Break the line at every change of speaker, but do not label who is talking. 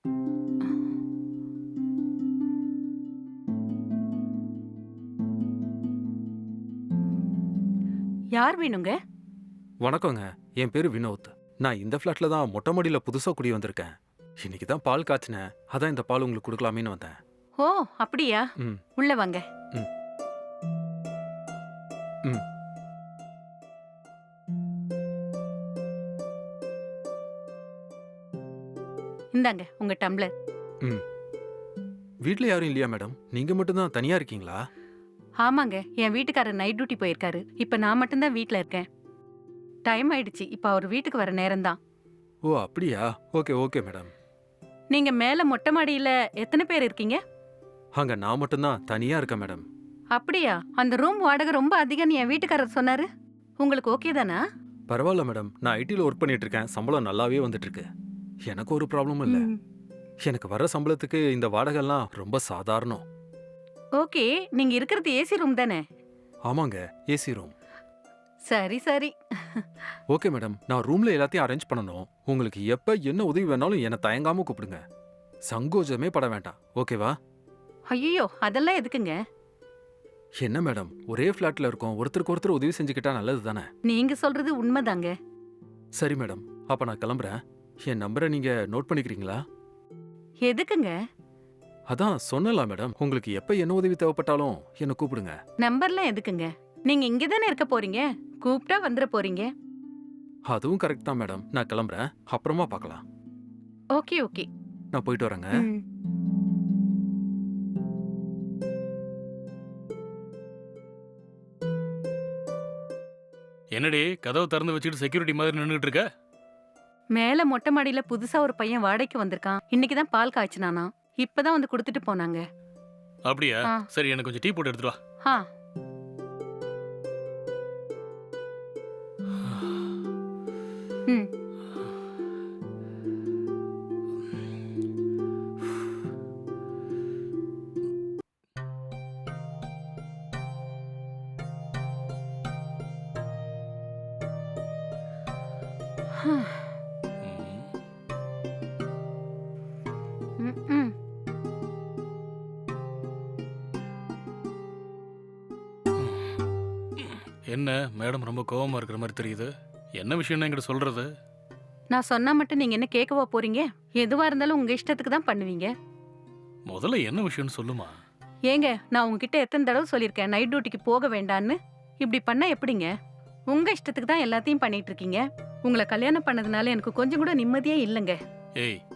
யார் வேணுங்க?
வணக்கங்க. என் பேரு வினோத். நான் இந்த ஃப்ளாட்ல தான் மொட்டை மாடியில புதுசா குடி வந்திருக்கேன். இன்னைக்கு தான் பால் காய்ச்சினேன். அதான் இந்த பால் உங்களுக்கு கொடுக்கலாமேன்னு வந்தேன்.
ஓ, அப்படியா?
ம்.
உள்ள வாங்க.
ம். ம்.
இந்தாங்க உங்க டம்ளர்.
ம். வீட்ல யாரும் இல்லையா மேடம்? நீங்க மட்டும் தான் தனியா இருக்கீங்களா?
ஆமாங்க, என் வீட்டுக்காரர் நைட் டியூட்டி போயிருக்காரு. இப்ப நான் மட்டும்தான் வீட்ல இருக்கேன். டைம் ஆயிடுச்சு. இப்ப அவர் வீட்டுக்கு வர நேரம்தான்.
ஓ அப்படியா? Okay okay madam.
நீங்க மேல மொட்டை மாடியில எத்தனை பேர் இருக்கீங்க?
அங்க நான் மட்டும் தான் தனியா இருக்கேன் மேடம்.
அப்படியா? அந்த ரூம் வாடகை ரொம்ப அதிகம்னு என் வீட்டுக்காரர் சொன்னாரு. உங்களுக்கு ஓகே தானா?
பரவாயில்ல மேடம். நான் ஐடில ஒர்க் பண்ணிட்டு இருக்கேன். சம்பளம் நல்லாவே வந்துட்டு இருக்கு. எனக்கு ஒரு ப்ராப்ளமும் இல்ல.
ம்.
எனக்கு வர்ற சம்பளத்துக்கு இந்த வாடகைலாம் ரொம்ப சாதாரணம்.
ஓகே, நீங்க இருக்கிறது ஏசி ரூம் தானே?
ஆமாங்க, ஏசி ரூம்.
சரி சரி.
Okay madam. நான் ரூம்ல எல்லாத்தையும் அரேஞ்ச் பண்ணணும். உங்களுக்கு எப்ப என்ன உதவி வேணாலும் என்ன தயங்காம கூப்பிடுங்க. சங்கோஜமே பட வேண்டாம். ஓகேவா?
ஐயோ, அதெல்லாம் எதுக்குங்க?
என்ன மேடம், ஒரே ஃப்ளாட்ல இருக்கோம். ஒருத்தருக்கு ஒருத்தர் உதவி செஞ்சுக்கிட்டா நல்லது தானே?
நீங்க சொல்றது உண்மைதாங்க.
சரி மேடம், அப்ப நான் கிளம்புறேன். என் நம்பரை நீங்க நோட் பண்ணிக்கிறீங்களா?
எதுக்குங்க?
அதான் சொன்னல மேடம், உங்களுக்கு எப்ப என்ன உதவி தேவைப்பட்டாலும் என்ன கூப்பிடுங்க.
நம்பர்லாம் எதுக்குங்க? நீங்க இங்க தானே இருக்க போறீங்க. கூப்பிட்டா வந்துட போறீங்க.
அதுவும் கரெக்ட் தான் மேடம். நான் கிளம்புறேன். அப்புறமா பார்க்கலாம்.
Okay okay.
நான் போயிட்டு வரேங்க.
ம்.
என்னடி கதவை திறந்து வச்சுட்டு செக்யூரிட்டி மாதிரி நின்றுட்டு இருக்க?
மேல மொட்டை மாடியில புதுசா ஒரு பையன் வாடகைக்கு வந்திருக்கான். இன்னைக்கு தான் பால் காய்ச்சினானா. இப்பதான் வந்து கொடுத்துட்டு போனாங்க.
அப்படியா?
ஆ.
சரி, எனக்கு கொஞ்சம் டீ போட்டு எடுத்துட்டு வா.
ஆ. ம். ம், ம்.
என்ன மேடம் ரொம்ப கோவமா இருக்கிற மாதிரி தெரியுது. என்ன விஷயம்னு என்கிட்ட சொல்றது?
நான் சொன்னா மட்டும் நீங்க என்ன கேட்கவா போறீங்க? எதுவா இருந்தாலும் உங்க இஷ்டத்துக்கு தான் பண்ணுவீங்க.
முதல்ல என்ன விஷயம்னு சொல்லுமா.
ஏங்க, நான் உங்ககிட்ட எத்தனை தடவை சொல்லியிருக்கேன் நைட் டியூட்டிக்கு போக வேண்டான்னு. இப்படி பண்ணா எப்படிங்க? உங்க இஷ்டத்துக்கு தான் எல்லாத்தையும் பண்ணிட்டு இருக்கீங்க. உங்களை கல்யாணம் பண்ணதுனால எனக்கு கொஞ்சம் கூட நிம்மதியே இல்லைங்க.
ஏய்,